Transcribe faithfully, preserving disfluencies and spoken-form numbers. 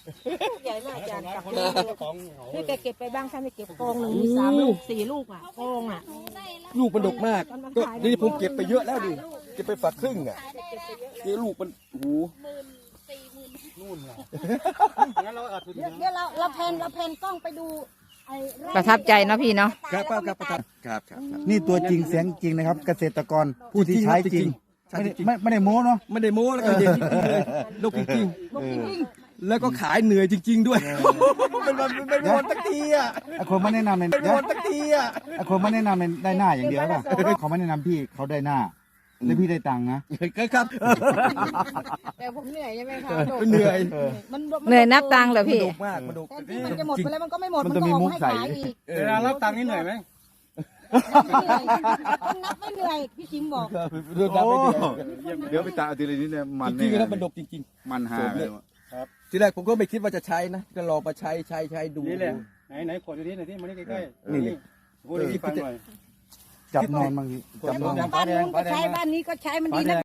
ใหญ่มากอาจารย์กับนี่แกเก็บไปบ้างท่านไม่เก็บโกงหนึ่งมีสามลูกสี่ลูกอ่ะโกงอ่ะลูกมันดกมากก็นี่ผมเก็บไปเยอะแล้วดิเก็บไปฝักครึ่งอ่ะนี่ลูกมันโอ้โหนู่นไงงั้นเราอัดเดี๋ยวเราเราเพนเราเพนกล้องไปดูไอ้ไร่ประทับใจเนาะพี่เนาะครับครับครับครับครับครับนี่ตัวจริงเสียงจริงนะครับ เกษตรกรผู้ที่ใช้จริงใช่ไม่จได้ริงไม่ไม่ได้โม้เนาะไม่ได้โม้แล้วก็เด็กจริงๆเลยดกจริงลูกจริงๆแล้วก็ขายเหนื่อยจริง ๆ ด้วยเป็นวันเป็นวันตักทีอ่ะไอ้คนไม่แนะนำเป็นเป็นเดี๋ยววันตักทีอ่ะไอ้คนไม่แนะนำเป็นได้หน้าอย่างเดียวป่ะเขาไม่แนะนำพี่เขาได้หน้าแล้วพี่ได้ตังค์นะครับแต่ผมเหนื่อยใช่ไหมคะเหนื่อยมันเหนื่อยนับตังค์เหรอพี่ดกมากมันดกแทนที่มันจะหมดจริงไปแล้วมันก็ไม่หมดมันก็ออกมาให้ขายอีกเวลารับตังค์นี่เหนื่อยไหมต้องนับไม่เหนื่อยพี่ชิมบอกเรื่องน้ำไม่เดือดเดี๋ยวไปตาทีละนิดเนี่ยมันจริงๆแล้วมันดกจริงมันหาเลยๆทีแรกผมก็ไม่คิดว่าจะใช้นะก็ลองมาใช้ใช้ใช้ดูนี่แหละไหนไหนขวดอยู่ที่ไหนที่มานี่ใกล้ๆนี่เลยพูดให้ฟังหน่อยจับนอนบางทีจับนอนบ้านนู้นก็ใช้บ้านนี้ก็ใช้มันดีนะ